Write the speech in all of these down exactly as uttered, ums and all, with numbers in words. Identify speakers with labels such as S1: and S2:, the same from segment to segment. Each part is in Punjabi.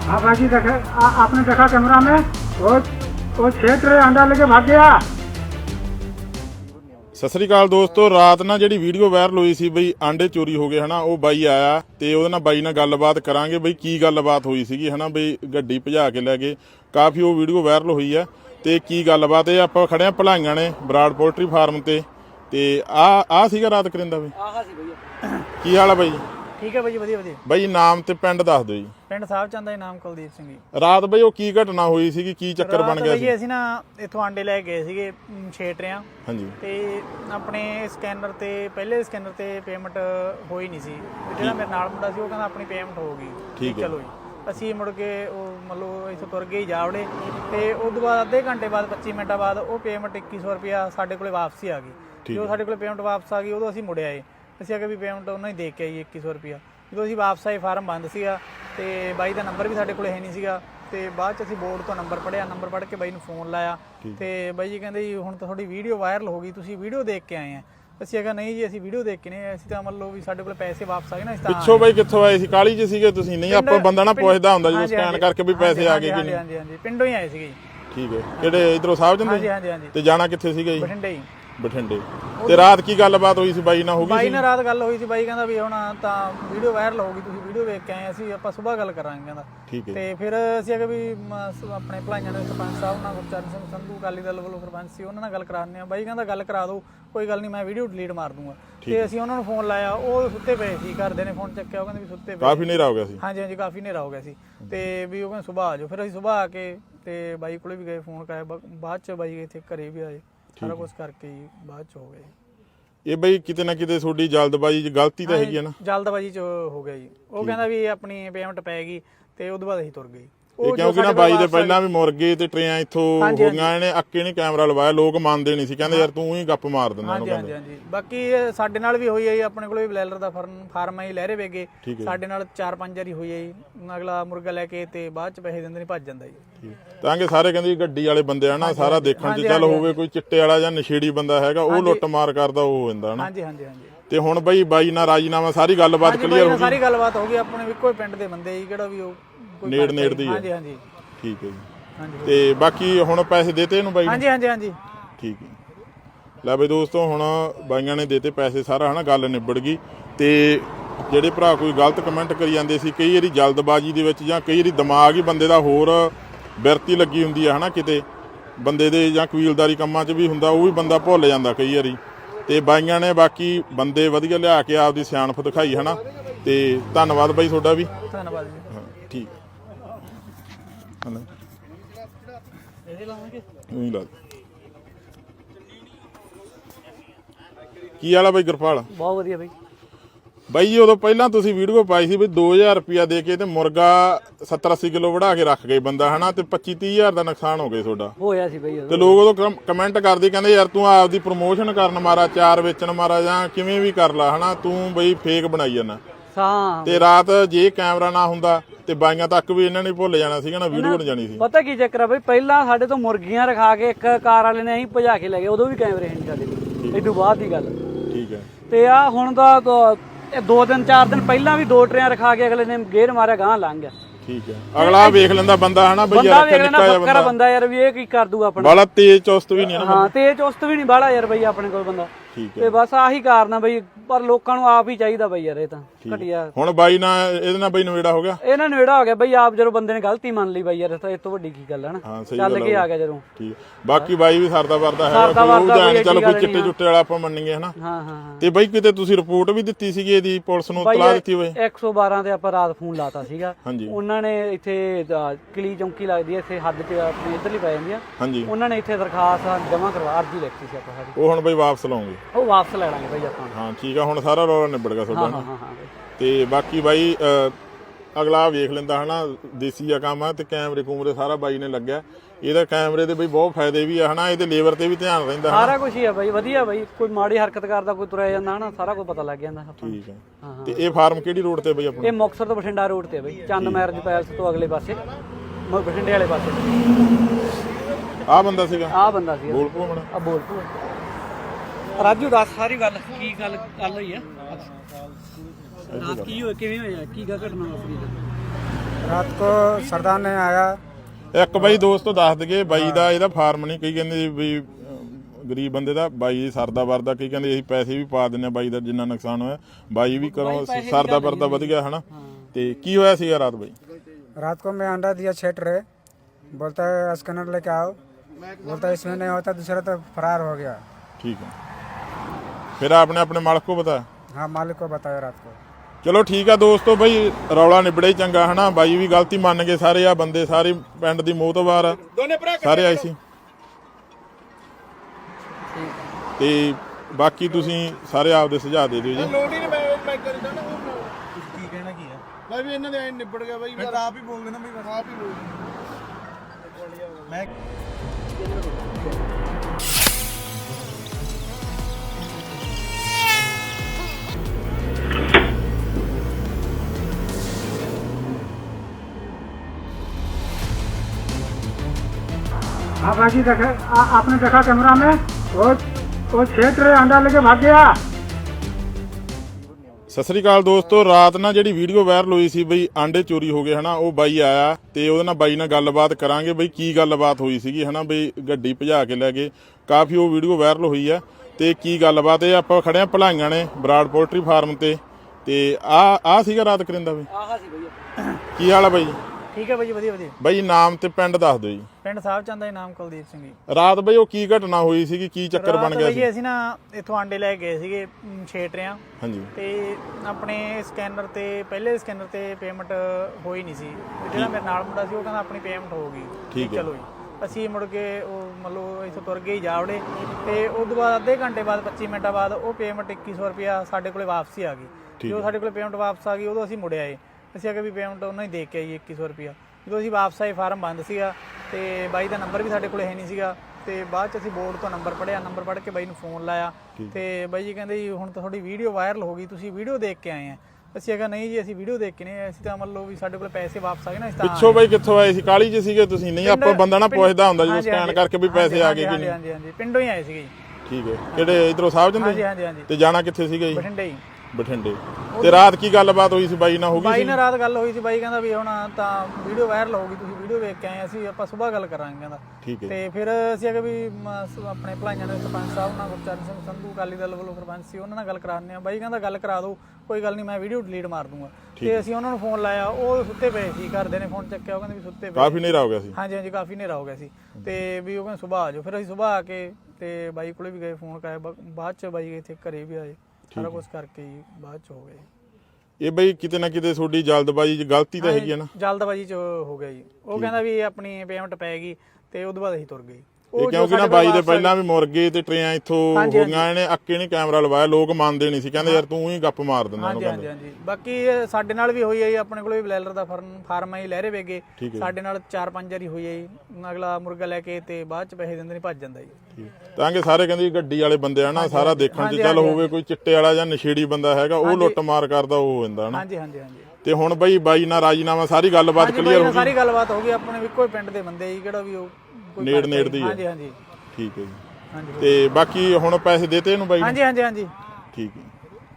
S1: हाँ भाई जी देखा, आपने देखा कैमरा में वो वो छह ट्रे अंडा लेके भाग गया।
S2: ਸਤਿ ਸ੍ਰੀ ਅਕਾਲ ਦੋਸਤੋ, ਰਾਤ ਨਾਲ ਜਿਹੜੀ ਵੀਡੀਓ ਵਾਇਰਲ ਹੋਈ ਸੀ ਬਈ ਆਂਡੇ ਚੋਰੀ ਹੋ ਗਏ ਹਨਾ, ਉਹ ਬਾਈ ਆਇਆ ਤੇ ਉਹਦੇ ਨਾਲ ਬਾਈ ਨਾਲ ਗੱਲਬਾਤ ਕਰਾਂਗੇ ਬਈ ਕੀ ਗੱਲਬਾਤ ਹੋਈ ਸੀਗੀ ਹਨਾ, ਬਈ ਗੱਡੀ ਭਜਾ ਕੇ ਲੈ ਗਏ। ਕਾਫੀ ਉਹ ਵੀਡੀਓ ਵਾਇਰਲ ਹੋਈ ਆ ਤੇ ਕੀ ਗੱਲਬਾਤ ਇਹ ਆਪਾਂ ਖੜੇ ਆ ਭਲਾਈਆਂ ਨੇ ਬਰਾੜ ਪੋਲਟਰੀ ਫਾਰਮ ਤੇ ਤੇ ਆ ਆ ਸੀਗਾ ਰਾਤ ਕਰਿੰਦਾ ਬਈ।
S3: ਆਹ ਸੀ ਬਈ।
S2: ਕੀ ਹਾਲ ਆ ਬਾਈ?
S3: ਠੀਕ ਹੈ ਬਾਈ, ਵਧੀਆ ਵਧੀਆ।
S2: ਬਾਈ ਨਾਮ ਤੇ ਪਿੰਡ ਦੱਸ ਦਿਓ ਜੀ।
S3: ਪਿੰਡ ਸਾਹਿਬ ਚੰਦ ਦਾ ਨਾਮ ਕੁਲਦੀਪ ਸਿੰਘ ਜੀ।
S2: ਰਾਤ ਬਈ ਉਹ ਕੀ ਘਟਨਾ ਹੋਈ ਸੀਗੀ, ਕੀ ਚੱਕਰ ਬਣ ਗਿਆ ਸੀ?
S3: ਬਈ ਅਸੀਂ ਨਾ ਇੱਥੋਂ ਆਂਡੇ ਲੈ ਗਏ ਸੀਗੇ ਛੇ ਟਰਿਆਂ।
S2: ਹਾਂਜੀ।
S3: ਤੇ ਆਪਣੇ ਸਕੈਨਰ ਤੇ ਪਹਿਲੇ ਸਕੈਨਰ ਤੇ ਪੇਮੈਂਟ ਹੋਈ ਨਹੀਂ ਸੀ। ਜਿਹੜਾ ਮੇਰੇ ਨਾਲ ਮੁੰਡਾ ਸੀ ਉਹ ਕਹਿੰਦਾ ਆਪਣੀ ਪੇਮੈਂਟ ਹੋ ਗਈ।
S2: ਠੀਕ ਹੈ।
S3: ਚਲੋ ਜੀ ਅਸੀਂ ਮੁੜ ਕੇ ਉਹ ਮਤਲਬ ਇੱਥੋਂ ਤੁਰ ਗਏ ਜਾਵੜੇ ਤੇ ਉਸ ਤੋਂ ਬਾਅਦ ਅੱਧੇ ਘੰਟੇ ਬਾਅਦ ਪੱਚੀ ਮਿੰਟਾਂ ਬਾਅਦ ਉਹ ਪੇਮੈਂਟ ਇੱਕੀ ਸੌ ਰੁਪਇਆ ਸਾਡੇ ਕੋਲੇ ਵਾਪਸੀ ਆ ਗਈ। ਜਦੋਂ ਸਾਡੇ ਕੋਲੇ ਪੇਮੈਂਟ ਵਾਪਸ ਆ ਗਈ ਉਦੋਂ ਅਸੀਂ ਮੁੜ ਆਏ। ਅਸੀਂ ਅੱਗੇ ਵੀ ਪੇਮੈਂਟ ਉਹਨਾਂ ਹੀ ਦੇ ਕੇ ਆਈ ਇੱਕੀ ਸੌ ਰੁਪਇਆ। ਜਦੋਂ ਅਸੀਂ ਵਾਪਸ ਆਏ ਫਾਰਮ ਬੰਦ ਸੀਗਾ ਤੇ ਬਾਈ ਦਾ ਨੰਬਰ ਵੀ ਸਾਡੇ ਕੋਲੇ ਹੈ ਨਹੀਂ ਸੀਗਾ ਤੇ ਬਾਅਦ ਚ ਅਸੀਂ ਬੋਰਡ ਤੋਂ ਨੰਬਰ ਪੜਿਆ, ਨੰਬਰ ਪੜ੍ਹ ਕੇ ਬਾਈ ਨੂੰ ਫੋਨ ਲਾਇਆ ਤੇ ਬਾਈ ਜੀ ਕਹਿੰਦੇ ਜੀ ਹੁਣ ਤਾਂ ਤੁਹਾਡੀ ਵੀਡੀਓ ਵਾਇਰਲ ਹੋ ਗਈ, ਤੁਸੀਂ ਵੀਡੀਓ ਦੇਖ ਕੇ ਆਏ ਆ। ਅਸੀਂ ਕਿਹਾ ਨਹੀਂ ਜੀ ਅਸੀਂ ਵੀਡੀਓ ਦੇਖ ਕੇ ਨਹੀਂ, ਅਸੀਂ ਤਾਂ ਮੰਨ ਲਓ ਵੀ ਸਾਡੇ ਕੋਲ ਪੈਸੇ ਵਾਪਸ ਆ ਗਏ ਨਾ। ਇਸ
S2: ਪਿੱਛੋਂ ਬਾਈ ਕਿੱਥੋਂ ਆਏ ਸੀ? ਕਾਲੀ ਚ ਸੀਗੇ ਤੁਸੀਂ? ਨਹੀਂ ਆਪਾਂ ਬੰਦਾ ਨਾ ਪੁੱਛਦਾ ਹੁੰਦਾ ਜਦੋਂ ਸਕੈਨ ਕਰਕੇ ਵੀ ਪੈਸੇ ਆ ਗਏ ਕਿ ਨਹੀਂ।
S3: ਹਾਂਜੀ ਹਾਂਜੀ ਪਿੰਡੋਂ ਹੀ ਆਏ ਸੀਗੇ।
S2: ਠੀਕ ਹੈ। ਕਿਹੜੇ ਇਧਰੋਂ ਸਾਹਿਬ ਜੰਦੇ?
S3: ਹਾਂਜੀ ਹਾਂਜੀ ਹਾਂਜੀ।
S2: ਤੇ ਜਾਣਾ ਕਿੱਥੇ ਸੀਗਾ ਜੀ?
S3: ਬਠਿੰਡੇ ਹੀ।
S2: ਬਠਿੰਡੇ। ਤੇ ਰਾਤ ਕੀ ਗੱਲਬਾਤ ਹੋਈ ਸੀ ਬਾਈ ਨਾਲ? ਹੋ ਗਈ
S3: ਬਾਈ ਨਾਲ ਰਾਤ ਗੱਲ ਹੋਈ ਸੀ। ਬਾਈ ਕਹਿੰਦਾ ਵੀ ਹੁਣ ਤਾਂ ਵੀਡੀਓ ਵਾਇਰਲ ਹੋ ਗਈ, ਤੁਸੀਂ ਵੀਡੀਓ ਵੇਖ ਕੇ ਆਏ, ਅਸੀਂ ਆਪਾਂ ਸਵੇਰ ਗੱਲ ਕਰਾਂਗੇ ਕਹਿੰਦਾ।
S2: ਠੀਕ ਹੈ।
S3: ਤੇ ਫਿਰ ਅਸੀਂ ਅਗੇ ਵੀ ਆਪਣੇ ਭਲਾਈਆਂ ਦੇ ਸਰਪੰਚ ਸਾਹਿਬ ਨਾਲ ਗੁਰਚਰਨ ਸਿੰਘ ਸੰਧੂ ਅਕਾਲੀ ਦਲ ਵੱਲੋਂ ਸਰਪੰਚ ਸੀ, ਉਹਨਾਂ ਨਾਲ ਗੱਲ ਕਰਾਉਂਦੇ ਆ। ਬਾਈ ਕਹਿੰਦਾ ਗੱਲ ਕਰਾ ਦਿਓ, ਕੋਈ ਗੱਲ ਨਹੀਂ, ਮੈਂ ਵੀਡੀਓ ਡਿਲੀਟ ਮਾਰ ਦੂੰਗਾ। ਤੇ ਅਸੀਂ ਉਹਨਾਂ ਨੂੰ ਫੋਨ ਲਾਇਆ, ਉਹ ਸੁੱਤੇ ਪਏ ਸੀ। ਘਰਦੇ ਨੇ ਫੋਨ ਚੱਕਿਆ, ਉਹ ਕਹਿੰਦੇ ਵੀ ਸੁੱਤੇ ਪਏ।
S2: ਕਾਫੀ ਹਨੇਰਾ ਹੋ ਗਿਆ ਸੀ। ਹਾਂਜੀ
S3: ਹਾਂਜੀ ਕਾਫੀ ਹਨੇਰਾ ਹੋ ਗਿਆ ਸੀ ਤੇ ਵੀ ਉਹ ਕਹਿੰਦੇ ਸੁਬਾਹ ਆ ਜਾਓ। ਫਿਰ ਅਸੀਂ ਸੁਬਾਹ ਆ ਕੇ ਤੇ ਬਾਈ ਕੋਲੇ ਵੀ ਗਏ, ਫੋਨ ਕਰਾਇਆ। ਬਾਅਦ ਚ ਬਾਈ ਇੱਥੇ ਘਰੇ ਵੀ ਆਏ, ਸਾਰਾ ਕੁਝ ਕਰਕੇ ਹੀ ਬਾਅਦ ਚ ਹੋ ਗਿਆ।
S2: ਇਹ ਬਈ ਕਿਤੇ ਨਾ ਕਿਤੇ ਤੁਹਾਡੀ ਜਲਦਬਾਜ਼ੀ ਚ ਗਲਤੀ ਤਾਂ ਹੈਗੀ ਹੈ ਨਾ?
S3: ਜਲਦਬਾਜ਼ੀ ਚ ਹੋ ਗਿਆ ਜੀ। ਉਹ ਕਹਿੰਦਾ ਵੀ ਆਪਣੀ ਪੇਮੈਂਟ ਪੈ ਗਈ ਤੇ ਉਹਦੇ ਬਾਅਦ ਅਸੀਂ ਤੁਰ ਗਏ।
S2: ਇਹ ਕਿਉਂਕਿ ਨਾ ਬਾਈ ਦੇ ਪਹਿਲਾਂ ਵੀ ਮੁਰਗੇ ਤੇ ਟਰੇਆਂ ਇੱਥੋਂ ਹੋ ਗਈਆਂ, ਇਹਨੇ ਅੱਕੇ ਨਹੀਂ ਕੈਮਰਾ ਲਵਾਇਆ, ਲੋਕ ਮੰਨਦੇ ਨਹੀਂ ਸੀ, ਕਹਿੰਦੇ ਯਾਰ ਤੂੰ ਹੀ ਗੱਪ ਮਾਰ ਦਿੰਦਾ ਉਹਨੂੰ।
S3: ਹਾਂਜੀ ਹਾਂਜੀ। ਬਾਕੀ ਸਾਡੇ ਨਾਲ ਵੀ ਹੋਈ ਹੈ ਜੀ, ਆਪਣੇ ਕੋਲ ਵੀ ਬਲੈਲਰ ਦਾ ਫਾਰਮ ਹੈ ਜੀ, ਲਹਿਰੇ ਵੇਗੇ। ਸਾਡੇ ਨਾਲ ਚਾਰ ਪੰਜ ਵਾਰੀ ਹੋਈ ਹੈ ਜੀ। ਅਗਲਾ ਮੁਰਗਾ ਲੈ ਕੇ ਤੇ ਬਾਅਦ ਚ ਪੈਸੇ ਦਿੰਦੇ ਨਹੀਂ, ਭੱਜ ਜਾਂਦਾ ਜੀ।
S2: ਤਾਂ ਕਿ ਸਾਰੇ ਕਹਿੰਦੇ ਗੱਡੀ ਵਾਲੇ ਬੰਦੇ ਆ ਨਾ, ਸਾਰਾ ਦੇਖਣ ਚ ਚੱਲ ਹੋਵੇ ਕੋਈ ਚਿੱਟੇ ਵਾਲਾ ਜਾਂ ਨਸ਼ੇੜੀ ਬੰਦਾ ਹੈਗਾ, ਉਹ ਲੁੱਟ ਮਾਰ ਕਰਦਾ ਉਹ ਹੋ ਜਾਂਦਾ ਨਾ।
S3: ਹਾਂਜੀ ਹਾਂਜੀ ਹਾਂਜੀ।
S2: ਤੇ ਹੁਣ ਬਈ ਬਾਈ ਨਾਲ ਰਾਜੀਨਾਮਾ ਸਾਰੀ ਗੱਲਬਾਤ ਕਲੀਅਰ ਹੋ ਗਈ?
S3: ਸਾਰੀ ਗੱਲਬਾਤ ਹੋ ਗਈ। ਆਪਣੇ ਵੀ ਇੱਕੋ ਪਿੰਡ ਦੇ ਬੰਦੇ ਜੀ, ਕਿਹੜਾ ਵੀ ਉਹ
S2: ਨੇੜ ਨੇੜ ਦੀ।
S3: ਹਾਂਜੀ ਹਾਂਜੀ
S2: ਠੀਕ ਹੈ ਜੀ। ਤੇ ਬਾਕੀ ਹੁਣ ਪੈਸੇ ਦੇਤੇ ਇਹਨੂੰ ਬਾਈ?
S3: ਹਾਂਜੀ ਹਾਂਜੀ ਹਾਂਜੀ।
S2: ਠੀਕ ਹੈ। ਲੈ ਬਈ ਦੋਸਤੋ, ਹੁਣ ਬਾਈਆਂ ਨੇ ਦੇਤੇ ਪੈਸੇ, ਸਾਰਾ ਹਨਾ ਗੱਲ ਨਿਬੜ ਗਈ। ਤੇ ਜਿਹੜੇ ਭਰਾ ਕੋਈ ਗਲਤ ਕਮੈਂਟ ਕਰੀ ਜਾਂਦੇ ਸੀ, ਕਈ ਵਾਰੀ ਜਲਦਬਾਜ਼ੀ ਦੇ ਵਿੱਚ ਜਾਂ ਕਈ ਵਾਰੀ ਦਿਮਾਗ ਹੀ ਬੰਦੇ ਦਾ ਹੋਰ ਬਿਰਤੀ ਲੱਗੀ ਹੁੰਦੀ ਆ ਹਨਾ, ਕਿਤੇ ਬੰਦੇ ਦੇ ਜਾਂ ਕਬੀਲਦਾਰੀ ਕੰਮਾਂ 'ਚ ਵੀ ਹੁੰਦਾ, ਉਹ ਵੀ ਬੰਦਾ ਭੁੱਲ ਜਾਂਦਾ ਕਈ ਵਾਰੀ। ਤੇ ਬਾਈਆਂ ਨੇ ਬਾਕੀ ਬੰਦੇ ਵਧੀਆ ਲਿਆ ਕੇ ਆਪਦੀ ਸਿਆਣਪ ਦਿਖਾਈ ਹਨਾ। ਤੇ ਧੰਨਵਾਦ ਬਾਈ ਤੁਹਾਡਾ ਵੀ।
S3: ਧੰਨਵਾਦ ਜੀ।
S2: ਹਾਂ ਠੀਕ।
S3: ਇਹਦੇ ਲਾਵਾਂਗੇ
S2: ਉਹੀ ਲਾ। ਕੀ ਹਾਲ ਆ ਬਾਈ ਗੁਰਪਾਲ?
S3: ਬਹੁਤ ਵਧੀਆ ਬਾਈ।
S2: ਬਾਈ ਜੀ ਉਦੋਂ ਪਹਿਲਾਂ ਤੁਸੀਂ ਵੀਡੀਓ ਪਾਈ ਸੀ ਵੀ ਦੋ ਹਜ਼ਾਰ ਰੁਪਇਆ ਦੇ ਕੇ ਤੇ ਮੁਰਗਾ ਸੱਤਰ ਅੱਸੀ ਕਿਲੋ ਵੜਾ ਕੇ ਰੱਖ ਗਏ ਬੰਦਾ ਹਨਾ, ਤੇ ਪੱਚੀ ਤੀਹ ਹਜ਼ਾਰ ਦਾ ਨੁਕਸਾਨ ਹੋ ਗਿਆ ਤੁਹਾਡਾ।
S3: ਹੋਇਆ ਸੀ ਬਾਈ।
S2: ਤੇ ਲੋਕ ਉਦੋਂ ਕਮੈਂਟ ਕਰਦੇ, ਕਹਿੰਦੇ ਯਾਰ ਤੂੰ ਆਪਦੀ ਪ੍ਰਮੋਸ਼ਨ ਕਰਨ ਮਾਰਾ, ਚਾਰ ਵੇਚਣ ਮਾਰਾ, ਜਾਂ ਕਿਵੇਂ ਵੀ ਕਰ ਲਾ ਹਨਾ, ਤੂੰ ਬਈ ਫੇਕ ਬਣਾਈ ਜਾਂਦਾ।
S3: ਹਾਂ।
S2: ਤੇ ਰਾਤ ਜੇ ਕੈਮਰਾ ਨਾ ਹੁੰਦਾ ਤੇ ਬਾਈਆਂ ਤੱਕ ਵੀ ਇਹਨਾਂ ਨੇ ਭੁੱਲ ਜਾਣਾ ਸੀਗਾ ਨਾ, ਵੀਡੀਓ ਬਣ ਜਾਣੀ ਸੀ।
S4: ਪਤਾ ਕੀ ਚੱਕਰ ਆ ਬਈ, ਪਹਿਲਾਂ ਸਾਡੇ ਤੋਂ ਮੁਰਗੀਆਂ ਰਖਾ ਕੇ ਇੱਕ ਕਾਰ ਵਾਲੇ ਨੇ ਅਸੀਂ ਭਜਾ ਕੇ ਲੈ ਗਏ, ਉਦੋਂ ਵੀ ਕੈਮਰੇ ਨਹੀਂ ਸਾਡੇ ਕੋਲ। ਇਹ ਤੋਂ ਬਾਅਦ ਦੀ ਗੱਲ।
S2: ਠੀਕ ਹੈ।
S4: ਤੇ ਆ ਹੁਣ ਦਾ ਇਹ ਦੋ ਦਿਨ ਚਾਰ ਦਿਨ ਪਹਿਲਾਂ ਵੀ ਦੋ ਟਰੇਆਂ ਰਖਾ ਕੇ ਅਗਲੇ ਨੇ ਗੇਰ ਮਾਰਿਆ, ਗਾਂ ਲੰਘ ਗਿਆ।
S2: ਠੀਕ ਹੈ। ਅਗਲਾ ਵੇਖ ਲੈਂਦਾ ਬੰਦਾ ਹਨਾ ਬਈ, ਯਾਰ ਨਿੱਕਾ ਜਿਹਾ ਬੰਦਾ
S4: ਬੰਦਾ ਯਾਰ ਵੀ ਇਹ ਕੀ ਕਰ ਦੂਗਾ ਆਪਣਾ।
S2: ਬਾਲਾ ਤੇਜ਼ ਚੁਸਤ ਵੀ ਨਹੀਂ ਨਾ।
S4: ਹਾਂ ਤੇਜ਼ ਚੁਸਤ ਵੀ ਨਹੀਂ ਬਾਲਾ ਯਾਰ ਬਈ ਆਪਣੇ ਕੋਲ ਬੰਦਾ।
S2: ਠੀਕ ਹੈ।
S4: ਤੇ ਬਸ ਆਹੀ ਕਾਰਨ ਆ ਬਈ, ਪਰ ਲੋਕਾਂ ਨੂੰ ਆਪ ਹੀ ਚਾਹੀਦਾ ਬਈ ਯਾਰ, ਇਹ ਤਾਂ ਘਟਿਆ।
S2: ਹੁਣ ਬਾਈ ਨਾਲ ਇਹਦੇ ਨਾਲ ਬਈ ਨਵੇੜਾ ਹੋ ਗਿਆ?
S4: ਇਹਨਾਂ ਨੇੜਾ ਹੋ ਗਿਆ ਬਈ, ਆਪ ਜਦੋਂ ਬੰਦੇ ਨੇ ਗਲਤੀ ਮੰਨ ਲਈ ਬਈ ਯਾਰ, ਇਹ ਤੋਂ ਵੱਡੀ ਕੀ ਗੱਲ ਹੈ ਨਾ। ਚੱਲ ਕੇ ਆ ਗਿਆ ਜਦੋਂ।
S2: ਠੀਕ। ਬਾਕੀ ਬਾਈ ਵੀ ਸਰਦਾ ਵਰਦਾ ਹੈ, ਚਲੋ ਕੋਈ ਚਿੱਟੇ ਚੁੱਟੇ ਵਾਲਾ ਆਪਾਂ ਮੰਨੀਏ ਹਨਾ।
S4: ਹਾਂ ਹਾਂ।
S2: ਤੇ ਬਾਈ ਕਿਤੇ ਤੁਸੀਂ ਰਿਪੋਰਟ ਵੀ ਦਿੱਤੀ ਸੀਗੀ ਇਹਦੀ, ਪੁਲਿਸ ਨੂੰ ਇਤਲਾਹ ਦਿੱਤੀ ਹੋਵੇ?
S4: ਇੱਕ ਸੌ ਬਾਰਾਂ ਤੇ ਆਪਾਂ ਰਾਤ ਫੋਨ ਲਾਤਾ ਸੀਗਾ।
S2: ਹਾਂਜੀ।
S4: ਉਹਨਾਂ ਨੇ ਇੱਥੇ ਕਿਲੀ ਚੌਂਕੀ ਲੱਗਦੀ ਹੈ ਇੱਥੇ ਹੱਦ ਤੇ ਆਪਣੀ ਇੱਧਰਲੀ ਪੈ ਜਾਂਦੀ ਆ।
S2: ਹਾਂਜੀ।
S4: ਉਹਨਾਂ ਨੇ ਇੱਥੇ ਦਰਖਾਸਤ ਜਮ੍ਹਾਂ ਕਰਵਾ, ਅਰਜੀ ਲਿਖਤੀ ਸੀ ਆਪਾਂ ਸਾਡੀ।
S2: ਉਹ ਹੁਣ ਬਈ ਵਾਪਸ ਲਾਉਂਗੇ?
S4: ਉਹ ਵਾਪਸ ਲੈ ਲਾਂਗੇ ਬਈ ਆਪਾਂ।
S2: ਹਾਂ ਠੀਕ ਆ, ਹੁਣ ਸਾਰਾ ਰੌਲਾ ਨਿਬੜ ਗਿਆ ਤੁਹਾਡਾ।
S4: ਹਾਂ ਹਾਂ ਹਾਂ।
S2: ਤੇ ਬਾਕੀ ਬਾਈ ਅਗਲਾ ਵੇਖ ਲੈਂਦਾ ਹਨਾ, ਦੇਸੀ ਆ ਕੰਮ ਆ। ਤੇ ਕੈਮਰੇ ਕੂਮਰੇ ਸਾਰਾ ਬਾਈ ਨੇ ਲੱਗਿਆ। ਇਹਦਾ ਕੈਮਰੇ ਦੇ ਬਈ ਬਹੁਤ ਫਾਇਦੇ ਵੀ ਆ ਹਨਾ, ਇਹਦੇ ਲੇਬਰ ਤੇ ਵੀ ਧਿਆਨ ਰਹਿੰਦਾ।
S4: ਸਾਰਾ ਕੁਝ ਹੀ ਆ ਬਾਈ, ਵਧੀਆ ਬਾਈ। ਕੋਈ ਮਾੜੀ ਹਰਕਤ ਕਰਦਾ, ਕੋਈ ਤੁਰਿਆ ਜਾਂਦਾ ਹਨਾ, ਸਾਰਾ ਕੁਝ ਪਤਾ ਲੱਗ ਜਾਂਦਾ ਆਪਾਂ ਨੂੰ।
S2: ਠੀਕ ਹੈ। ਤੇ ਇਹ ਫਾਰਮ ਕਿਹੜੀ ਰੋਡ ਤੇ ਬਈ ਆਪਣਾ?
S4: ਇਹ ਮੁਕਤਸਰ ਤੋਂ ਬਠਿੰਡਾ ਰੋਡ ਤੇ ਆ ਬਾਈ, ਚੰਦ ਮੈਰਿਜ ਪੈਲਸ ਤੋਂ ਅਗਲੇ ਪਾਸੇ, ਬਠਿੰਡੇ ਵਾਲੇ ਪਾਸੇ।
S2: ਆਹ ਬੰਦਾ ਸੀਗਾ?
S4: ਆਹ ਬੰਦਾ ਸੀ।
S2: ਬੋਲ ਪੋ ਮਣਾ।
S4: ਆ ਬੋਲ ਪੋ ਰਾਜੂ, ਦੱਸ ਸਾਰੀ ਗੱਲ ਕੀ ਗੱਲ ਗੱਲ ਹੋਈ ਆ ਰਾਤ, ਕੀ ਹੋਇਆ, ਕਿਵੇਂ ਹੋਇਆ, ਕੀ ਘਟਨਾ ਵਾਪਰੀ?
S1: रात को सरदार ने आया।
S2: ਇੱਕ ਬਾਈ ਦੋਸਤੋ ਦੱਸ ਦਈਏ ਬਾਈ ਦਾ ਇਹਦਾ ਫਾਰਮ ਨਹੀਂ, ਕਈ ਕਹਿੰਦੇ ਵੀ ਅਹ, ਗਰੀਬ ਬੰਦੇ ਦਾ ਬਾਈ ਸਰਦਾ ਵਰਦਾ, ਕਈ ਕਹਿੰਦੇ ਅਸੀਂ ਪੈਸੇ ਵੀ ਪਾ ਦਿੰਨੇ ਬਾਈ ਦਾ ਜਿੰਨਾ ਨੁਕਸਾਨ ਹੋਇਆ, ਬਾਈ ਵੀ ਕਰੋ ਸਰਦਾ ਵਰਦਾ ਵਧ ਗਿਆ ਹਨਾ। ਤੇ ਕੀ ਹੋਇਆ ਸੀਗਾ ਰਾਤ ਬਾਈ?
S1: रात को मैं अंडा दिया छेट रहे, बोलता है स्कैनर लेके आओ, बोलता है इसमें नहीं होता, दूसरा तो फरार हो गया।
S2: ठीक है, फिर आपने अपने मालिक को बताया?
S1: हाँ मालिक को बताया रात को।
S2: ਚਲੋ ਠੀਕ ਆ ਦੋਸਤੋ ਬਈ, ਰੌਲਾ ਨਿਬੜਿਆ ਹੀ ਚੰਗਾ ਹਨਾ। ਬਾਈ ਵੀ ਗਲਤੀ ਮੰਨ ਗਏ, ਸਾਰੇ ਆ ਬੰਦੇ ਸਾਰੇ ਪਿੰਡ ਦੀ ਮੋਤਬਾਰ ਆ, ਸਾਰੇ ਆਏ ਸੀ। ਤੇ ਬਾਕੀ ਤੁਸੀਂ ਸਾਰੇ ਆਪਦੇ ਸੁਝਾਅ ਦੇ ਦਿਓ ਜੀ।
S5: ਲੋੜ ਹੀ ਨਹੀਂ, ਮੈਂ ਮੈਂ ਕਰਦਾ ਨਾ ਕੀ ਕਹਿਣਾ ਕੀ ਆ ਮੈਂ ਵੀ ਇਹਨਾਂ ਦੇ ਐ ਨਿਬੜ ਗਿਆ ਬਾਈ, ਮੈਂ ਆਪ ਹੀ ਬੋਲ ਦੇਣਾ ਬਈ, ਆਪ ਹੀ ਬੋਲ ਮੈਂ
S1: हाँ भाजी देखे, आ, आपने देखा कैमरा में, वो वो छेट रहे अंडा लेके भाग गया।
S2: ਸਤਿ ਸ੍ਰੀ ਅਕਾਲ ਦੋਸਤੋ, ਰਾਤ ਨਾਲ ਜਿਹੜੀ ਵੀਡੀਓ ਵਾਇਰਲ ਹੋਈ ਸੀ ਬਈ ਆਂਡੇ ਚੋਰੀ ਹੋ ਗਏ ਹਨਾ, ਉਹ ਬਾਈ ਆਇਆ ਤੇ ਉਹਦੇ ਨਾਲ ਬਾਈ ਨਾਲ ਗੱਲਬਾਤ ਕਰਾਂਗੇ ਬਈ ਕੀ ਗੱਲਬਾਤ ਹੋਈ ਸੀਗੀ ਹਨਾ। ਬਈ ਗੱਡੀ ਭਜਾ ਕੇ ਲੈ ਗਏ, ਕਾਫੀ ਉਹ ਵੀਡੀਓ ਵਾਇਰਲ ਹੋਈ ਆ ਤੇ ਕੀ ਗੱਲਬਾਤ ਇਹ ਆਪਾਂ ਖੜੇ ਆ ਭਲਾਈਆਂ ਨੇ ਬਰਾੜ ਪੋਲਟਰੀ ਫਾਰਮ ਤੇ। ਤੇ ਆ ਆ ਸੀਗਾ ਰਾਤ ਕਰਿੰਦਾ ਬਈ?
S3: ਆਹਾ ਸੀ ਬਈ।
S2: ਕੀ ਹਾਲ ਆ ਬਾਈ?
S3: ਠੀਕ ਹੈ ਬਾਈ, ਵਧੀਆ ਵਧੀਆ।
S2: ਬਾਈ ਨਾਮ ਤੇ ਪਿੰਡ ਦੱਸ ਦਿਓ ਜੀ।
S3: ਪਿੰਡ ਸਾਹਿਬ ਚੰਦ ਦਾ ਨਾਮ ਕੁਲਦੀਪ ਸਿੰਘ ਜੀ।
S2: ਰਾਤ ਬਈ ਉਹ ਕੀ ਘਟਨਾ ਹੋਈ ਸੀਗੀ, ਕੀ ਚੱਕਰ ਬਣ ਗਿਆ ਸੀ?
S3: ਰਾਤ ਅਸੀਂ ਨਾ ਇੱਥੋਂ ਆਂਡੇ ਲੈ ਗਏ ਸੀਗੇ ਛੇਟ ਰਿਆਂ,
S2: ਹਾਂਜੀ।
S3: ਤੇ ਆਪਣੇ ਸਕੈਨਰ ਤੇ ਪਹਿਲੇ ਸਕੈਨਰ ਤੇ ਪੇਮੈਂਟ ਹੋਈ ਨਹੀਂ ਸੀ। ਜਿਹੜਾ ਮੇਰੇ ਨਾਲ ਮੁੰਡਾ ਸੀ ਉਹ ਕਹਿੰਦਾ ਆਪਣੀ ਪੇਮੈਂਟ ਹੋ ਗਈ।
S2: ਠੀਕ ਹੈ।
S3: ਚਲੋ ਜੀ, ਅਸੀਂ ਮੁੜ ਕੇ ਉਹ ਮਤਲਬ ਇੱਥੋਂ ਤੁਰ ਗਏ ਜਾਵੜੇ, ਤੇ ਉਸ ਤੋਂ ਬਾਅਦ ਅੱਧੇ ਘੰਟੇ ਬਾਅਦ ਪੱਚੀ ਮਿੰਟਾਂ ਬਾਅਦ ਉਹ ਪੇਮੈਂਟ ਇੱਕੀ ਸੌ ਰੁਪਇਆ ਸਾਡੇ ਕੋਲੇ ਵਾਪਸੀ ਆ ਗਈ। ਜਦੋਂ ਸਾਡੇ ਕੋਲੇ ਪੇਮੈਂਟ ਵਾਪਸ ਆ ਗਈ ਉਦੋਂ ਅਸੀਂ ਮੁੜ ਆਏ। ਅਸੀਂ ਅਗੇ ਵੀ ਪੇਮੈਂਟ ਉਹਨਾਂ ਹੀ ਦੇ ਕੇ ਆਈ ਇੱਕੀ ਸੌ ਰੁਪਇਆ। ਜਦੋਂ ਅਸੀਂ ਵਾਪਸ ਆਏ ਫਾਰਮ ਬੰਦ ਸੀਗਾ ਤੇ ਬਾਈ ਦਾ ਨੰਬਰ ਵੀ ਸਾਡੇ ਕੋਲੇ ਹੈ ਨਹੀਂ ਸੀਗਾ। ਤੇ ਬਾਅਦ ਚ ਅਸੀਂ ਬੋਰਡ ਤੋਂ ਨੰਬਰ ਪੜਿਆ, ਨੰਬਰ ਪੜ੍ਹ ਕੇ ਬਾਈ ਨੂੰ ਫੋਨ ਲਾਇਆ ਤੇ ਬਾਈ ਜੀ ਕਹਿੰਦੇ ਜੀ ਹੁਣ ਤਾਂ ਤੁਹਾਡੀ ਵੀਡੀਓ ਵਾਇਰਲ ਹੋ ਗਈ, ਤੁਸੀਂ ਵੀਡੀਓ ਦੇਖ ਕੇ ਆਏ ਆ। ਅਸੀਂ ਅਗਾ ਨਹੀਂ ਜੀ ਅਸੀਂ ਵੀਡੀਓ ਦੇਖ ਕੇ ਨਹੀਂ, ਅਸੀਂ ਤਾਂ ਮੰਨ ਲਓ ਵੀ ਸਾਡੇ ਕੋਲ ਪੈਸੇ ਵਾਪਸ ਆ ਗਏ ਨਾ। ਇਸ ਤਾਂ
S2: ਪਿੱਛੋਂ ਬਾਈ ਕਿੱਥੋਂ ਆਏ ਸੀ? ਕਾਲੀ ਚ ਸੀਗੇ ਤੁਸੀਂ? ਨਹੀਂ ਆਪਾਂ ਬੰਦਾ ਨਾ ਪੁੱਛਦਾ ਹੁੰਦਾ ਜਦੋਂ ਸਕੈਨ ਕਰਕੇ ਵੀ ਪੈਸੇ ਆ ਗਏ ਕਿ ਨਹੀਂ।
S3: ਹਾਂਜੀ ਹਾਂਜੀ, ਪਿੰਡੋਂ ਹੀ ਆਏ ਸੀਗੇ ਜੀ।
S2: ਠੀਕ ਹੈ, ਕਿਹੜੇ ਇਧਰੋਂ ਸਾਹਿਬ ਜੰਦੇ?
S3: ਹਾਂਜੀ ਹਾਂਜੀ ਹਾਂਜੀ।
S2: ਤੇ ਜਾਣਾ ਕਿੱਥੇ ਸੀਗਾ ਜੀ?
S3: ਬਠਿੰਡੇ ਹੀ।
S2: ਬਠਿੰਡੇ। ਤੇ ਰਾਤ ਕੀ ਗੱਲਬਾਤ ਹੋਈ ਸੀ ਬਾਈ ਨਾਲ? ਹੋ ਗਈ
S3: ਬਾਈ
S2: ਸੀ
S3: ਨਾਲ ਰਾਤ ਗੱਲ ਹੋਈ ਸੀ। ਬਾਈ ਕਹਿੰਦਾ ਵੀ ਹੁਣ ਤਾਂ ਵੀਡੀਓ ਵਾਇਰਲ ਹੋ ਗਈ, ਤੁਸੀਂ ਵੀਡੀਓ ਵੇਖ ਕੇ ਆਏ, ਅਸੀਂ ਆਪਾਂ ਸਵੇਰ ਗੱਲ ਕਰਾਂਗੇ ਕਹਿੰਦਾ।
S2: ਠੀਕ ਹੈ।
S3: ਤੇ ਫਿਰ ਅਸੀਂ ਅਗੇ ਵੀ ਮ, ਸ- ਆਪਣੇ ਭਲਾਈਆਂ ਦੇ ਸਰਪੰਚ ਸਾਹਿਬ ਨਾਲ ਗੁਰਚਰਨ ਸਿੰਘ ਸੰਧੂ ਅਕਾਲੀ ਦਲ ਵੱਲੋਂ ਸਰਪੰਚ ਸੀ, ਉਹਨਾਂ ਨਾਲ ਗੱਲ ਕਰਾਉਂਦੇ ਆ। ਬਾਈ ਕਹਿੰਦਾ ਗੱਲ ਕਰਾ ਦਿਓ, ਕੋਈ ਗੱਲ ਨਹੀਂ, ਮੈਂ ਵੀਡੀਓ ਡਿਲੀਟ ਮਾਰ ਦੂੰਗਾ। ਤੇ ਅਸੀਂ ਉਹਨਾਂ ਨੂੰ ਫੋਨ ਲਾਇਆ, ਉਹ ਸੁੱਤੇ ਪਏ ਸੀ, ਘਰਦੇ ਨੇ ਫੋਨ ਚੱਕਿਆ, ਉਹ ਕਹਿੰਦੇ ਵੀ ਸੁੱਤੇ ਪਏ।
S2: ਕਾਫੀ ਹਨੇਰਾ ਹੋ ਗਿਆ ਸੀ?
S3: ਹਾਂਜੀ ਹਾਂਜੀ, ਕਾਫੀ ਹਨੇਰਾ ਹੋ ਗਿਆ ਸੀ। ਤੇ ਵੀ ਉਹ ਕਹਿੰਦੇ ਸਵੇਰ ਆ ਜਾਓ। ਫਿਰ ਅਸੀਂ ਸਵੇਰ ਆ ਕੇ ਤੇ ਬਾਈ ਕੋਲੇ ਵੀ ਗਏ, ਫੋਨ ਕਰਾਇਆ। ਬਾਅਦ ਚ ਬਾਈ ਇੱਥੇ ਘਰੇ ਵੀ ਆਏ, ਸਾਰਾ ਕੁਝ ਕਰਕੇ ਹੀ ਬਾਅਦ ਚ ਹੋ ਗਏ।
S2: ਇਹ ਬਈ ਕਿਤੇ ਨਾ ਕਿਤੇ ਤੁਹਾਡੀ ਜਲਦਬਾਜ਼ੀ ਚ ਗਲਤੀ ਤਾਂ ਹੈਗੀ ਹੈ ਨਾ?
S3: ਜਲਦਬਾਜ਼ੀ ਚ ਹੋ ਗਿਆ ਜੀ। ਉਹ ਕਹਿੰਦਾ ਵੀ ਆਪਣੀ ਪੇਮੈਂਟ ਪੈ ਗਈ ਤੇ ਉਦੋਂ ਬਾਅਦ ਅਸੀਂ ਤੁਰ ਗਏ।
S2: ਇਹ ਕਿਉਂਕਿ ਨਾ ਬਾਈ ਦੇ ਪਹਿਲਾਂ ਵੀ ਮੁਰਗੇ ਤੇ ਟਰੇਆਂ ਇੱਥੋਂ ਹੋ ਗਈਆਂ, ਇਹਨੇ ਅੱਕੇ ਨਹੀਂ ਕੈਮਰਾ ਲਵਾਇਆ, ਲੋਕ ਮੰਨਦੇ ਨਹੀਂ ਸੀ, ਕਹਿੰਦੇ ਯਾਰ ਤੂੰ ਹੀ ਗੱਪ ਮਾਰ ਦਿੰਦਾ ਉਹਨੂੰ।
S3: ਹਾਂਜੀ ਹਾਂਜੀ। ਬਾਕੀ ਸਾਡੇ ਨਾਲ ਵੀ ਹੋਈ ਹੈ ਜੀ, ਆਪਣੇ ਕੋਲ ਵੀ ਬਲੈਲਰ ਦਾ ਫਾਰਮ ਹੈ ਜੀ, ਲਹਿਰੇ ਵੇਗੇ। ਸਾਡੇ ਨਾਲ ਚਾਰ ਪੰਜ ਵਾਰੀ ਹੋਈ ਹੈ ਜੀ। ਅਗਲਾ ਮੁਰਗਾ ਲੈ ਕੇ ਤੇ ਬਾਅਦ ਚ ਪੈਸੇ ਦਿੰਦੇ ਨਹੀਂ, ਭੱਜ ਜਾਂਦਾ ਜੀ।
S2: ਤਾਂ ਕਿ ਸਾਰੇ ਕਹਿੰਦੇ ਗੱਡੀ ਵਾਲੇ ਬੰਦੇ ਆ ਨਾ, ਸਾਰਾ ਦੇਖਣ ਚ ਚੱਲ ਹੋਵੇ ਕੋਈ ਚਿੱਟੇ ਵਾਲਾ ਜਾਂ ਨਸ਼ੇੜੀ ਬੰਦਾ ਹੈਗਾ, ਉਹ ਲੁੱਟ ਮਾਰ ਕਰਦਾ ਉਹ ਹੋ ਜਾਂਦਾ ਨਾ।
S3: ਹਾਂਜੀ ਹਾਂਜੀ ਹਾਂਜੀ।
S2: ਤੇ ਹੁਣ ਬਈ ਬਾਈ ਨਾਲ ਰਾਜੀਨਾਮਾ ਸਾਰੀ ਗੱਲਬਾਤ ਕਲੀਅਰ ਹੋ ਗਈ?
S3: ਸਾਰੀ ਗੱਲਬਾਤ ਹੋ ਗਈ, ਆਪਣੇ ਵੀ ਇੱਕੋ ਹੀ ਪਿੰਡ ਦੇ ਬੰਦੇ ਜੀ, ਕਿਹੜਾ ਵੀ ਉਹ
S2: ਨੇੜ ਨੇੜ ਦੀ ਹੈ।
S3: ਹਾਂਜੀ ਹਾਂਜੀ।
S2: ਠੀਕ ਹੈ ਜੀ। ਤੇ ਬਾਕੀ ਹੁਣ ਪੈਸੇ ਦੇਤੇ ਇਹਨੂੰ ਬਾਈ?
S3: ਹਾਂਜੀ ਹਾਂਜੀ ਹਾਂਜੀ।
S2: ਠੀਕ ਹੈ।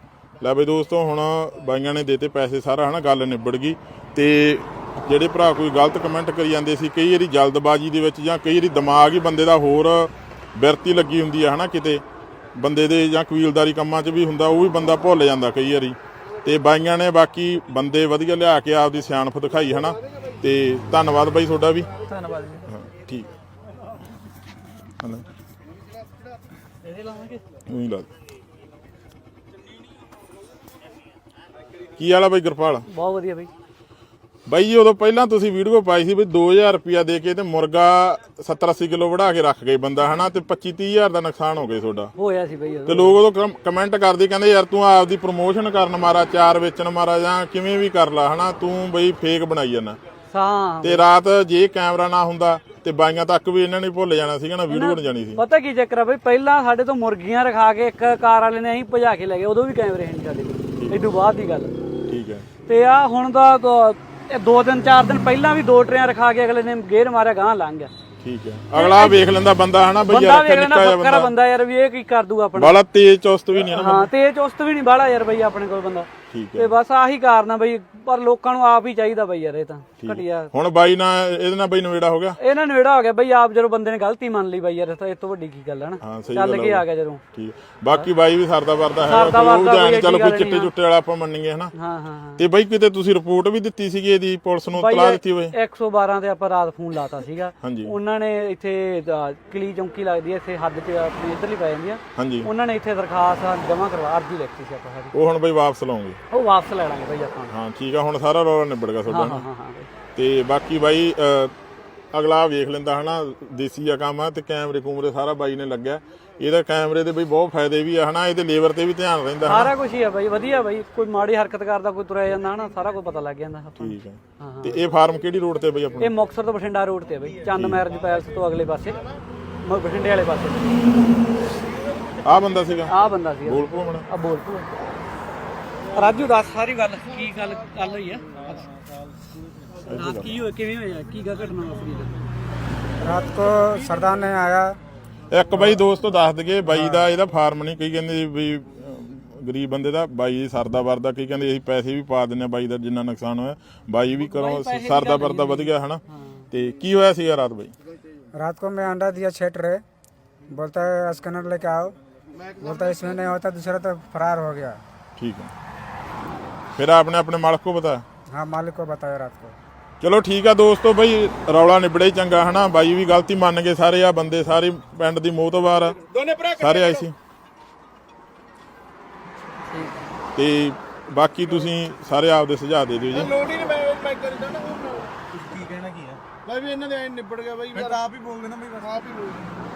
S2: ਲੈ ਬਈ ਦੋਸਤੋ, ਹੁਣ ਬਾਈਆਂ ਨੇ ਦੇਤੇ ਪੈਸੇ ਸਾਰਾ ਹਨਾ, ਗੱਲ ਨਿਬੜ ਗਈ। ਤੇ ਜਿਹੜੇ ਭਰਾ ਕੋਈ ਗਲਤ ਕਮੈਂਟ ਕਰੀ ਜਾਂਦੇ ਸੀ, ਕਈ ਵਾਰੀ ਜਲਦਬਾਜ਼ੀ ਦੇ ਵਿੱਚ ਜਾਂ ਕਈ ਵਾਰੀ ਦਿਮਾਗ ਹੀ ਬੰਦੇ ਦਾ ਹੋਰ ਬਿਰਤੀ ਲੱਗੀ ਹੁੰਦੀ ਹੈ ਹਨਾ, ਕਿਤੇ ਬੰਦੇ ਦੇ ਜਾਂ ਕਬੀਲਦਾਰੀ ਕੰਮਾਂ 'ਚ ਵੀ ਹੁੰਦਾ, ਉਹ ਵੀ ਬੰਦਾ ਭੁੱਲ ਜਾਂਦਾ ਕਈ ਵਾਰੀ। ਤੇ ਬਾਈਆਂ ਨੇ ਬਾਕੀ ਬੰਦੇ ਵਧੀਆ ਲਿਆ ਕੇ ਆਪਦੀ ਸਿਆਣਪ ਦਿਖਾਈ ਹਨਾ। ਤੇ ਧੰਨਵਾਦ ਬਾਈ ਤੁਹਾਡਾ ਵੀ।
S3: ਧੰਨਵਾਦ ਜੀ।
S2: ਹਾਂ ਠੀਕ। ਹਨਾ
S3: ਇਹਦੇ ਲਾਵਾਂਗੇ
S2: ਉਹੀ ਲਾ ਕੀ ਵਾਲਾ ਬਾਈ ਗੁਰਪਾਲ?
S4: ਬਹੁਤ ਵਧੀਆ ਬਾਈ।
S2: ਬਾਈ ਜੀ ਉਦੋਂ ਪਹਿਲਾਂ ਤੁਸੀਂ ਵੀਡੀਓ ਪਾਈ ਸੀ ਵੀ ਦੋ ਹਜ਼ਾਰ ਰੁਪਇਆ ਦੇ ਕੇ ਤੇ ਮੁਰਗਾ ਸੱਤਰ ਅੱਸੀ ਕਿਲੋ ਵੜਾ ਕੇ ਰੱਖ ਗਏ ਬੰਦਾ ਹਨਾ, ਤੇ ਪੱਚੀ ਤੀਹ ਹਜ਼ਾਰ ਦਾ ਨੁਕਸਾਨ ਹੋ ਗਿਆ ਤੁਹਾਡਾ।
S4: ਹੋਇਆ ਸੀ ਬਾਈ।
S2: ਤੇ ਲੋਕ ਉਦੋਂ ਕਮੈਂਟ ਕਰਦੇ ਕਹਿੰਦੇ ਯਾਰ ਤੂੰ ਆਪਦੀ ਪ੍ਰਮੋਸ਼ਨ ਕਰਨ ਮਾਰਾ, ਚਾਰ ਵੇਚਣ ਮਾਰਾ, ਜਾਂ ਕਿਵੇਂ ਵੀ ਕਰ ਲਾ ਹਨਾ, ਤੂੰ ਬਈ ਫੇਕ ਬਣਾਈ ਜਾਂਦਾ।
S4: ਹਾਂ।
S2: ਤੇ ਰਾਤ ਜੇ ਕੈਮਰਾ ਨਾ ਹੁੰਦਾ ਤੇ ਬਾਈਆਂ ਤੱਕ ਵੀ ਇਹਨਾਂ ਨੇ ਭੁੱਲ ਜਾਣਾ ਸੀਗਾ ਨਾ, ਵੀਡੀਓ ਬਣ ਜਾਣੀ ਸੀ।
S4: ਪਤਾ ਕੀ ਚੱਕਰ ਆ ਬਈ, ਪਹਿਲਾਂ ਸਾਡੇ ਤੋਂ ਮੁਰਗੀਆਂ ਰਖਾ ਕੇ ਇੱਕ ਕਾਰ ਵਾਲੇ ਨੇ ਅਸੀਂ ਭਜਾ ਕੇ ਲੈ ਗਏ, ਉਦੋਂ ਵੀ ਕੈਮਰੇ ਹੈ ਨਹੀਂ ਸਾਡੇ ਕੋਲ, ਏਡੂ ਬਾਅਦ ਦੀ ਗੱਲ।
S2: ਠੀਕ ਹੈ।
S4: ਤੇ ਆ ਹੁਣ ਦਾ ਦੋ ਦਿਨ ਚਾਰ ਦਿਨ ਪਹਿਲਾਂ ਵੀ ਦੋ ਟਰੇਆਂ ਰਖਾ ਕੇ ਅਗਲੇ ਨੇ ਗੇਰ ਮਾਰਿਆ, ਗਾਂ ਲੰਘ ਗਿਆ।
S2: ਠੀਕ ਹੈ। ਅਗਲਾ ਵੇਖ ਲੈਂਦਾ ਬੰਦਾ ਹਨਾ ਬਈ, ਯਾਰ
S4: ਬੰਦਾ ਵੇਖ ਲੈਣਾ ਬੱਕਰਾ ਬੰਦਾ ਯਾਰ, ਵੀ ਇਹ ਕੀ ਕਰ ਦੂਗਾ ਆਪਣਾ।
S2: ਬਾਲਾ ਤੇਜ਼ ਚੁਸਤ ਵੀ ਨਹੀਂ ਨਾ।
S4: ਹਾਂ ਤੇਜ਼ ਚੁਸਤ ਵੀ ਨਹੀਂ ਬਾਲਾ ਯਾਰ ਬਈ ਆਪਣੇ ਕੋਲ ਬੰਦਾ।
S2: ਠੀਕ
S4: ਤੇ ਬਸ ਆਹੀ ਕਾਰਨ ਆ ਬਈ, ਪਰ ਲੋਕਾਂ ਨੂੰ ਆਪ ਹੀ ਚਾਹੀਦਾ ਬਈ ਯਾਰ, ਇਹ ਤਾਂ ਘਟਿਆ।
S2: ਹੁਣ ਬਾਈ ਨਾਲ ਇਹਦੇ ਨਾਲ ਬਾਈ ਨਵੇੜਾ ਹੋ ਗਿਆ,
S4: ਇਹਨਾਂ ਨੇੜਾ ਹੋ ਗਿਆ ਬਈ, ਆਪ ਜਦੋਂ ਬੰਦੇ ਨੇ ਗਲਤੀ ਮੰਨ ਲਈ ਬਈ ਯਾਰ, ਤਾਂ ਇਹ ਤੋਂ ਵੱਡੀ ਕੀ ਗੱਲ ਹੈ ਨਾ।
S2: ਹਾਂ ਸਹੀ
S4: ਚੱਲ
S2: ਗੱਲ
S4: ਕੇ ਆ ਗਿਆ ਜਦੋਂ।
S2: ਠੀਕ ਬਾਕੀ ਬਾਈ ਵੀ ਸਰਦਾ ਵਰਦਾ ਹੈ,
S4: ਸਰਦਾ
S2: ਕੋਈ ਉਹ
S4: ਵਰਦਾ
S2: ਜਾਣ
S4: ਕੋਈ
S2: ਚੱਲ
S4: ਐਡੀ
S2: ਕੋਈ
S4: ਗੱਲ
S2: ਚਿੱਟੇ
S4: ਨਹੀਂ,
S2: ਚੁੱਟੇ ਵਾਲਾ ਆਪਾਂ ਮੰਨੀਏ ਹਨਾ।
S4: ਹਾਂ ਹਾਂ ਹਾਂ
S2: ਤੇ ਬਾਈ ਕਿਤੇ ਤੁਸੀਂ ਰਿਪੋਰਟ ਵੀ ਦਿੱਤੀ ਸੀਗੀ ਇਹਦੀ, ਪੁਲਿਸ ਨੂੰ
S4: ਬਾਈ
S2: ਤਲਾ ਦਿੱਤੀ ਹੋਏ?
S4: ਇੱਕ ਸੌ ਬਾਰਾਂ ਤੇ ਆਪਾਂ ਰਾਤ ਫੋਨ ਲਾਤਾ ਸੀਗਾ,
S2: ਹਾਂਜੀ
S4: ਉਹਨਾਂ ਨੇ ਇੱਥੇ ਅ, ਕਲੀ ਚੌਂਕੀ ਲੱਗਦੀ ਹੈ ਇੱਥੇ ਹੱਦ 'ਚ ਆਪਣੀ ਇੱਧਰਲੀ ਪੈ ਜਾਂਦੀ ਆ,
S2: ਹਾਂਜੀ
S4: ਉਹਨਾਂ ਨੇ ਇੱਥੇ ਦਰਖਾਸਤ ਜਮ੍ਹਾਂ ਕਰਵਾ, ਅਰਜੀ ਲਿਖਤੀ ਸੀ ਆਪਾਂ ਸਾਰੀ,
S2: ਉਹ ਹੁਣ ਬਾਈ ਵਾਪਸ ਲਾਉਂਗੇ?
S4: ਉਹ ਵਾਪਸ ਲੈ ਲਾਂਗੇ ਬਈ ਆਪਾਂ।
S2: ਹਾਂ ਠੀਕ ਆ, ਹੁਣ ਸਾਰਾ ਰੌਲਾ ਨਿਬੜ ਗਿਆ ਤੁਹਾਡਾ
S4: ਹਾਂ
S2: ਨਾ।
S4: ਹਾਂ ਹਾਂ ਬਈ।
S2: ਤੇ ਬਾਕੀ ਬਾਈ ਅ, ਅਗਲਾ ਵੇਖ ਲੈਂਦਾ ਹਨਾ, ਦੇਸੀ ਆ ਕੰਮ ਆ, ਤੇ ਕੈਮਰੇ ਕੂਮਰੇ ਸਾਰਾ ਬਾਈ ਨੇ ਲੱਗਿਆ। ਇਹਦਾ ਕੈਮਰੇ ਦੇ ਬਈ ਬਹੁਤ ਫਾਇਦੇ ਵੀ ਆ ਹਨਾ, ਇਹਦੇ ਲੇਬਰ ਤੇ ਵੀ ਧਿਆਨ ਰਹਿੰਦਾ ਹਨਾ।
S4: ਸਾਰਾ ਕੁਝ ਹੀ ਆ ਬਾਈ, ਵਧੀਆ ਬਾਈ, ਕੋਈ ਮਾੜੀ ਹਰਕਤ ਕਰਦਾ ਕੋਈ ਤੁਰਿਆ ਜਾਂਦਾ ਹਨਾ, ਸਾਰਾ ਕੁਝ ਪਤਾ ਲੱਗ ਜਾਂਦਾ ਆਪਾਂ ਨੂੰ।
S2: ਠੀਕ ਹੈ।
S4: ਹਾਂ ਹਾਂ।
S2: ਤੇ ਇਹ ਫਾਰਮ ਕਿਹੜੀ ਰੋਡ ਤੇ ਬਈ ਆਪਣਾ?
S4: ਇਹ ਮੁਕਤਸਰ ਤੋਂ ਬਠਿੰਡਾ ਰੋਡ ਤੇ ਆ ਬਾਈ, ਚੰਦ ਮੈਰਿਜ ਪੈਲਸ ਤੋਂ ਅਗਲੇ ਪਾਸੇ, ਮ- ਬਠਿੰਡੇ ਵਾਲੇ ਪਾਸੇ
S2: ਆਹ ਬੰਦਾ ਸੀਗਾ,
S4: ਆਹ ਬੰਦਾ ਸੀ।
S2: ਬੋਲ ਪੋ ਮਣਾ।
S4: ਆ ਬੋਲ ਤੂੰ ਰਾਜੂ, ਦੱਸ ਸਾਰੀ ਗੱਲ, ਕੀ ਗੱਲ ਗੱਲ ਹੋਈ ਆ ਰਾਤ, ਕੀ ਹੋਇਆ, ਕਿਵੇਂ ਹੋਇਆ, ਕੀ ਗਾ ਘਟਨਾ ਵਾਪਰੀ?
S1: रात को सरदार ने आया,
S2: ਇੱਕ ਬਾਈ ਦੋਸਤੋ ਦੱਸ ਦਈਏ, ਬਾਈ ਦਾ ਇਹਦਾ ਫਾਰਮ ਨਹੀਂ, ਕਈ ਕਹਿੰਦੇ ਵੀ ਅਹ, ਗਰੀਬ ਬੰਦੇ ਦਾ, ਬਾਈ ਸਰਦਾ ਵਰਦਾ, ਕਈ ਕਹਿੰਦੇ ਅਸੀਂ ਪੈਸੇ ਵੀ ਪਾ ਦਿੰਨੇ ਬਾਈ ਦਾ ਜਿੰਨਾ ਨੁਕਸਾਨ ਹੋਇਆ, ਬਾਈ ਵੀ ਕਰੋ ਸਰਦਾ ਵਰਦਾ ਵਧ ਗਿਆ ਹਨਾ। ਤੇ ਕੀ ਹੋਇਆ ਸੀਗਾ ਰਾਤ ਬਾਈ?
S1: रात को मैं अंडा दिया छेट रहे, बोलता है स्कैनर लेके आओ, बोलता है इसमें नहीं होता, दूसरा तो फरार हो गया।
S2: ठीक है, फिर आपने अपने मालिक को बताया?
S1: हाँ मालिक को बताया रात को।
S2: ਚਲੋ ਠੀਕ ਆ ਦੋਸਤੋ, ਬਈ ਰੌਲਾ ਨਿਬੜੇ ਹੀ ਚੰਗਾ ਹਨਾ। ਬਾਈ ਵੀ ਗਲਤੀ ਮੰਨ ਗਏ ਸਾਰੇ, ਆ ਬੰਦੇ ਸਾਰੇ ਪਿੰਡ ਦੀ ਮੋਹਤਬਾਰ ਆ, ਸਾਰੇ ਆਏ ਸੀ। ਤੇ ਬਾਕੀ ਤੁਸੀਂ ਸਾਰੇ ਆਪਦੇ ਸੁਝਾਅ ਦੇ ਦਿਓ ਜੀ।
S5: ਲੋੜ ਹੀ ਨਹੀਂ, ਮੈਂ ਮੈਂ ਕਰਦਾ ਨਾ ਉਹ ਕੀ ਕਹਿਣਾ ਕੀ ਆ ਬਾਈ ਵੀ ਇਹਨਾਂ ਦੇ ਐ ਨਿਬੜ ਗਿਆ ਬਾਈ, ਆਪ ਹੀ ਬੋਲਦੇ ਨਾ ਬਈ, ਆਪ ਹੀ ਬੋਲਦੇ।